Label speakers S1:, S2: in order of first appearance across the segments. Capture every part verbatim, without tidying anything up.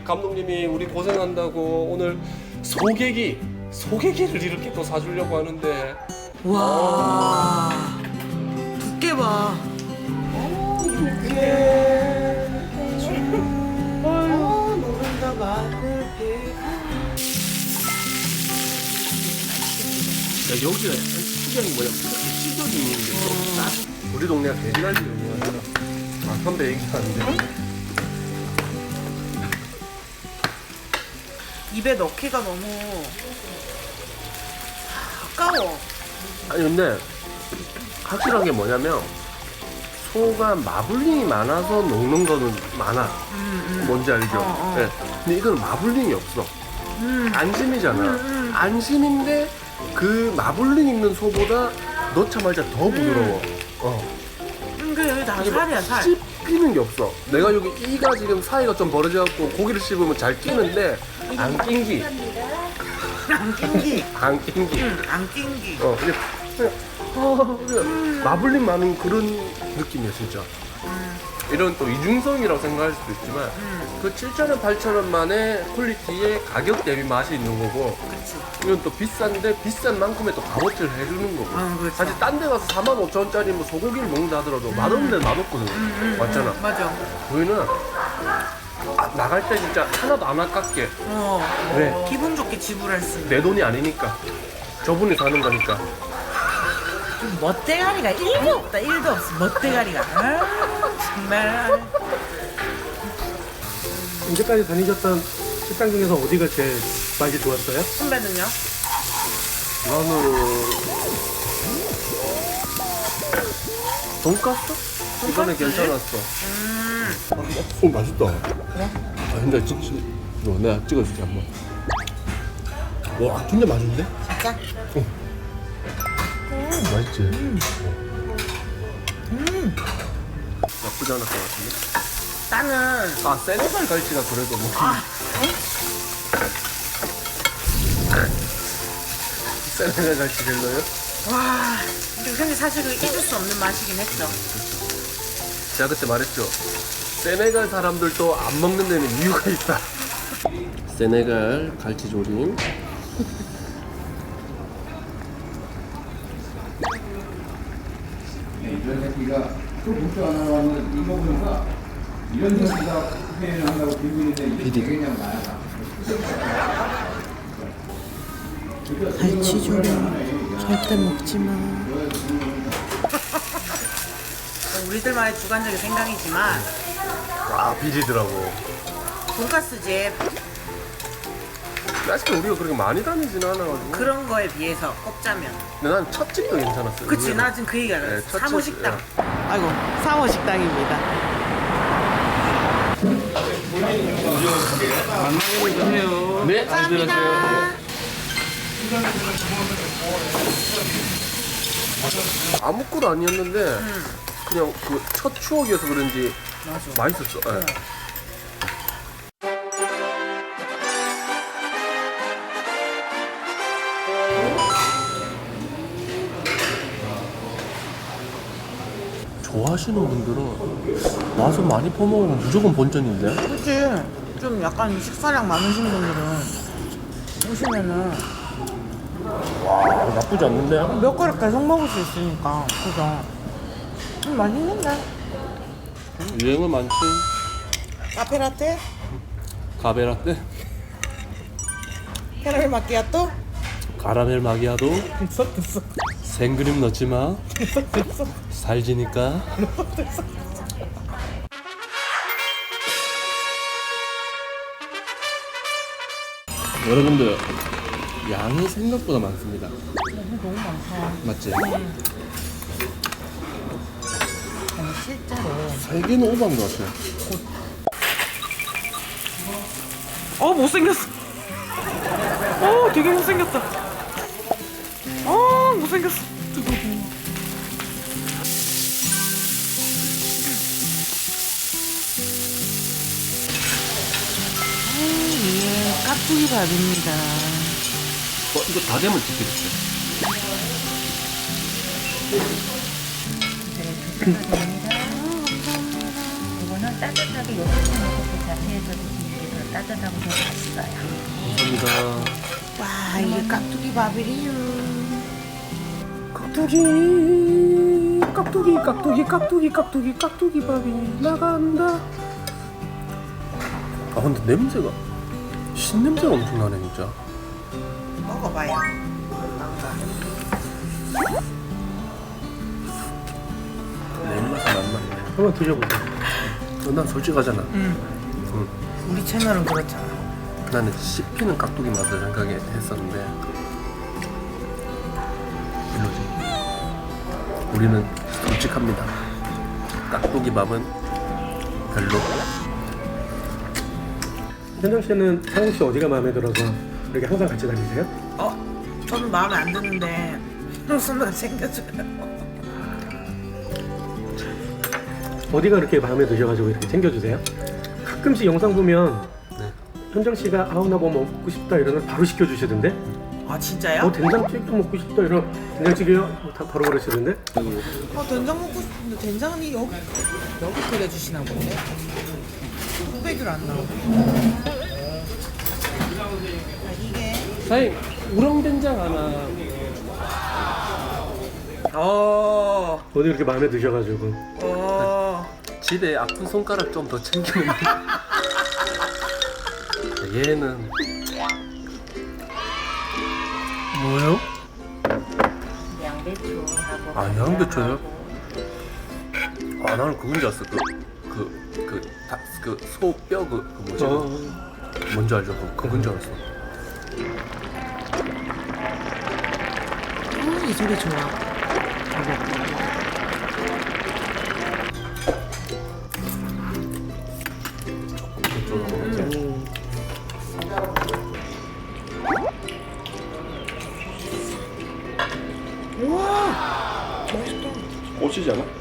S1: 감독님이 우리 고생한다고 오늘 소개기 소개기를 이렇게 또 사주려고 하는데.
S2: 와 두께 봐.
S1: 야, 여기가 시장이 뭐냐? 시장이 있는데 또 우리 동네가 돼지갈비 유명하잖아. 아, 선배 얘기하는데.
S2: 입에 넣기가 너무 아까워.
S1: 아니 근데 확실한 게 뭐냐면 소가 마블링이 많아서 녹는 거는 많아.
S2: 음, 음.
S1: 뭔지 알죠?
S2: 어, 어.
S1: 네. 근데 이건 마블링이 없어.
S2: 음.
S1: 안심이잖아.
S2: 음, 음.
S1: 안심인데 그 마블링 있는 소보다 넣자마자 더 부드러워. 어.
S2: 음, 그 여기 다 살이야 살.
S1: 씹히는 게 없어. 내가 여기 이가 지금 사이가 좀 벌어져갖고 고기를 씹으면 잘 끼는데 안 낑기.
S2: 안 낑기.
S1: 안 낑기.
S2: 응, 안 낑기.
S1: 어, 그냥, 그냥, 어, 그냥 마블링 많은 그런 느낌이야, 진짜.
S2: 음,
S1: 이런 또 이중성이라고 생각할 수도 있지만,
S2: 음.
S1: 그 칠천 원, 팔천 원만의 퀄리티에 가격 대비 맛이 있는 거고,
S2: 그치.
S1: 이건 또 비싼데 비싼 만큼의 또 값어치를 해주는 거고.
S2: 어, 그렇죠.
S1: 사실 딴 데 가서 사만 오천 원짜리 뭐 소고기를 먹는다 하더라도 맛없는 데는 맛없거든.
S2: 음,
S1: 맞잖아.
S2: 맞아.
S1: 저희는 아, 나갈 때 진짜 하나도 안 아깝게.
S2: 어.
S1: 왜?
S2: 기분 좋게 지불할 수 있는.
S1: 내 돈이 아니니까. 저분이 사는 거니까.
S2: 멋대가리가 일도 없다. 일도 없어. 멋대가리가. 아, 정말.
S3: 이제까지 다니셨던 식당 중에서 어디가 제일 맛이 좋았어요?
S2: 선배는요?
S1: 나는 돈까스? 이번에
S2: 돈까스?
S1: 괜찮았어.
S2: 음.
S1: 오 맛있다. 아 근데 진짜 이거 내가 찍어줄게 한번.
S3: 와 진짜 맛있는데?
S2: 진짜?
S1: 맛있지?
S2: 음.
S1: 나쁘지 않을 것 같은데?
S2: 나는
S1: 아 세네갈 갈치가 그래도 뭐
S2: 아,
S1: 세네갈 갈치 별로요?
S2: 와. 근데 사실 그 잊을 수 없는 맛이긴 했죠.
S1: 제가 그때 말했죠. 세네갈 사람들도 안 먹는 데는 이유가 있다. 세네갈 갈치 조림.
S4: 이런 새끼가 또 복수 안 하고 하는 이거 보니까 이런 새끼가 회의를 한다고 기분인데 이게 그냥 나야.
S2: 갈치조림 절대 먹지 마. 우리들만의 주관적인 생각이지만
S1: 아 비리더라고.
S2: 돈가스집
S1: 사실 우리가 그렇게 많이 다니진 않아가지고.
S2: 그런 거에 비해서 꼽자면
S1: 근데 난 첫 집도 괜찮았어요.
S2: 그치
S1: 의외로.
S2: 나 지금 그 얘기가
S1: 네,
S2: 나왔어.
S1: 첫
S2: 사모식당.
S1: 집,
S2: 아이고 사모식당입니다.
S1: 네,
S2: 감사합니다.
S1: 아무것도 아니었는데 그냥 그 첫 추억이어서 그런지
S2: 맞아.
S1: 맛있었어. 예. 좋아하시는 분들은 와서 많이 퍼먹으면 무조건 본전인데?
S2: 그치. 좀 약간 식사량 많으신 분들은 오시면은
S1: 와 나쁘지 않는데?
S2: 몇 그릇 계속 먹을 수 있으니까 그죠. 음, 맛있는데.
S1: 유행은 많지.
S2: 카페라떼,
S1: 가베라떼,
S2: 캐러멜 마키아토.
S1: 가라멜 마기아도,
S2: 됐어 됐어
S1: 생크림 넣지 마.
S2: 됐어 됐어.
S1: 살지니까. 여러분들 양이 생각보다 많습니다.
S2: 너무 많다.
S1: 맞지?
S2: 아니 실제로.
S1: 세 개는 오버한 것 같아.
S2: 어 못생겼어. 어 되게 못생겼다. 어 못생겼어. 예, 깍두기 밥입니다.
S1: 어, 이거 다 되면 찍혀줄게.
S5: 이거는 따뜻하게 요거트 넣고 자체에서 드시는 게 더
S2: 따뜻하고 더 맛있어요.
S1: 감사합니다.
S2: 와, 이게 깍두기 밥이래요.
S3: 깍두기 깍두기 깍두기 깍두기 깍두기 깍두기 밥이 나간다.
S1: 아 근데 냄새가 신냄새가 엄청 나네 진짜.
S2: 먹어봐요.
S1: 내 입맛은 안 맞네.
S3: 한번 드셔보세요.
S1: 어, 난 솔직하잖아.
S2: 응.
S1: 응.
S2: 우리 채널은 그렇잖아.
S1: 나는 씹히는 깍두기 맛을 생각했었는데 별로지. 우리는 솔직합니다. 깍두기 밥은 별로.
S3: 현정 씨는 상욱 씨 어디가 마음에 들어서 이렇게 항상 같이 다니세요?
S2: 어? 저는 마음에 안 드는데 순간 챙겨줘요.
S3: 어디가 그렇게 마음에 드셔가지고 이렇게 챙겨주세요? 가끔씩 영상 보면
S1: 네.
S3: 현정 씨가 아우 나 뭐 먹고 싶다 이러면 바로 시켜주시던데?
S2: 아 진짜요?
S3: 뭐 된장찌개도 먹고 싶다 이러면 된장찌개요? 뭐 다 바로 그러시던데?
S2: 어, 된장 먹고 싶은데 된장이 여기 여기 끓여주시나 본데? 뚝배기로 안 나오고. 아, 이게
S1: 사장님 우렁된장 하나.
S2: 어,
S3: 어디 그렇게 마음에 드셔가지고
S2: 어.
S1: 집에 아픈 손가락 좀 더 챙기면 얘는 뭐예요?
S2: 양배추하고.
S1: 아 양배추요? 아 나는 그건 줄 알았어. 그그그소뼈 그, 그 뭐지?
S3: 어.
S1: 뭔지 알죠? 그 그건 줄 알았어.
S2: 음, 이 소리 좋아.
S3: 음.
S2: 우와, 맛있다.
S1: 꽂히지 않아?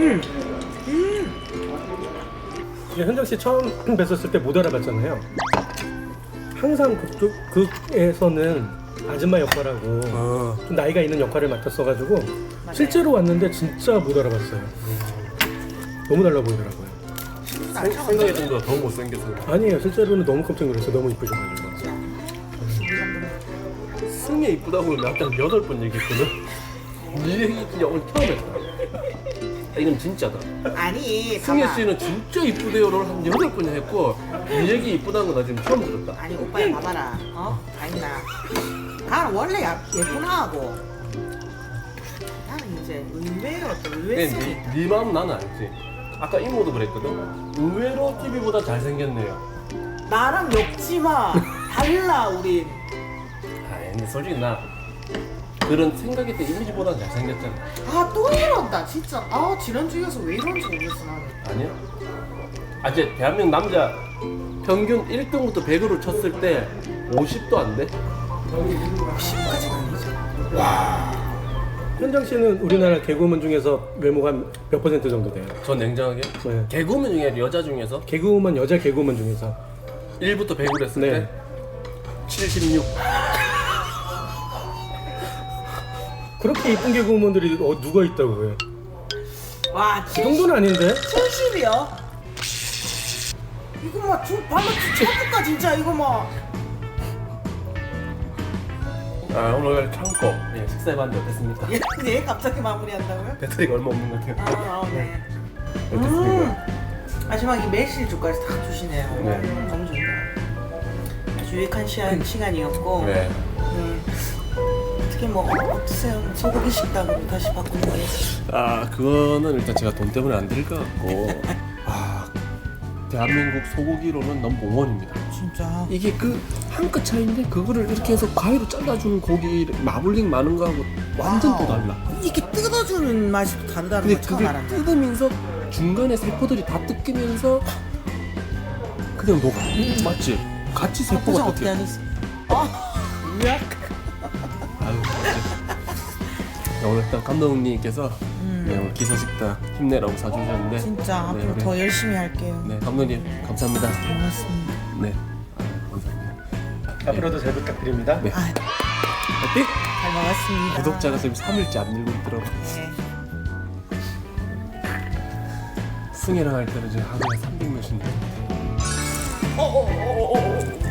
S3: 이제 현정 씨 처음 뵀었을 때 못 알아봤잖아요. 항상 그쪽 극에서는 아줌마 역할하고
S1: 어.
S3: 좀 나이가 있는 역할을 맡았어가지고 실제로 왔는데 진짜 못 알아봤어요. 너무 달라 보이더라고요.
S1: 생각했던 거보다 더 못생겨서.
S3: 아니에요, 실제로는 너무 깜짝 놀랐어요. 너무 이쁘셔가지고.
S1: 승혜 이쁘다고 나한테 여덟 번 얘기했거든. 네 얘기 진짜 오늘 처음 했다. 이건 진짜다.
S2: 아니,
S1: 승혜
S2: 봐봐.
S1: 씨는 진짜 이쁘대요를 한 여덟 번 했고 네 얘기 이쁘다는 거 나 지금 처음 들었다.
S2: 아니 오빠야 봐봐라. 어? 아니나. 나는 원래 야- 예쁘나 하고. 나는 이제 의외로 또 의외성이
S1: 네,
S2: 있다.
S1: 네 마음 나는 알지. 아까 이모도 그랬거든. 의외로 티비보다 잘생겼네요.
S2: 나랑 엮지 마. 달라 우린.
S1: 아 근데 솔직히 나 그런 생각했던 이미지보다 잘생겼잖아.
S2: 아 또 이런다 진짜. 아 지난주에서 왜 이런지 모르겠어 나는.
S1: 아니야? 아 이제 대한민국 남자 평균 일 등부터 백으로 쳤을 때 오십도 안 돼?
S2: 십까지는 아니죠.
S3: 현정 씨는 우리나라 개그우먼 중에서 외모가 몇 퍼센트 정도 돼요?
S1: 전 냉정하게
S3: 네.
S1: 개그우먼 중에 여자 중에서
S3: 개그우먼, 여자 개그우먼 중에서
S1: 일부터 백으로 했을
S3: 네.
S1: 때 칠십육.
S3: 그렇게 이쁜 개그우먼들이 어, 누가 있다고 해요?
S2: 와
S3: 그 정도는 아닌데?
S2: 칠십이요? 이거 막 주, 방금 처음부터 진짜 이거 막.
S1: 아 오늘 참고 예, 식사해봤는데 어땠습니까?
S2: 얘, 얘 갑자기 마무리한다고요?
S1: 배터리가 얼마 없는 것 같아요.
S2: 아, 아 네.
S1: 어땠습니까?
S2: 음, 마지막에 매실주까지 다 주시네요.
S1: 네.
S2: 음, 너무 좋네요. 아주 유익한 시간, 시간이었고.
S1: 네.
S2: 음, 어떻게 뭐 어떠세요? 소고기 식당으로 다시 바꾸는 게.
S1: 아 그거는 일단 제가 돈 때문에 안 될 것 같고 아 대한민국 소고기로는 넘버원입니다.
S2: 진짜.
S1: 이게 그 한 끗 차이인데 그거를 이렇게 해서 가위로 잘라주는 고기 마블링 많은 거하고 완전 또 달라.
S2: 이게 뜯어주는 맛이 또 다르다는
S1: 근데
S2: 걸 처음
S1: 그게
S2: 알았네.
S1: 뜯으면서 중간에 세포들이 다 뜯기면서 그냥 녹아. 맞지? 같이
S2: 표정
S1: 세포가
S2: 어떻게
S1: 뜯겨.
S2: 하겠어? 아, 으악.
S1: 아유 맞지? 네, 오늘 일단 감독님께서
S2: 음.
S1: 네, 오늘 기사식당 힘내라고 사주셨는데
S2: 진짜 앞으로
S1: 네, 우리-
S2: 더 열심히 할게요.
S1: 네 감독님 감사합니다.
S2: 고맙습니다.
S1: 네 아유, 감사합니다.
S3: 앞으로도 잘 부탁드립니다.
S1: 네.
S2: 아,
S1: 화이팅!
S2: 잘 먹었습니다.
S1: 구독자가 지금 삼 일째 안 늘고 있더라고.
S2: 네.
S1: 승혜랑 할 때는 지금 하루에 삼백 몇인데 어, 어, 어, 어, 어.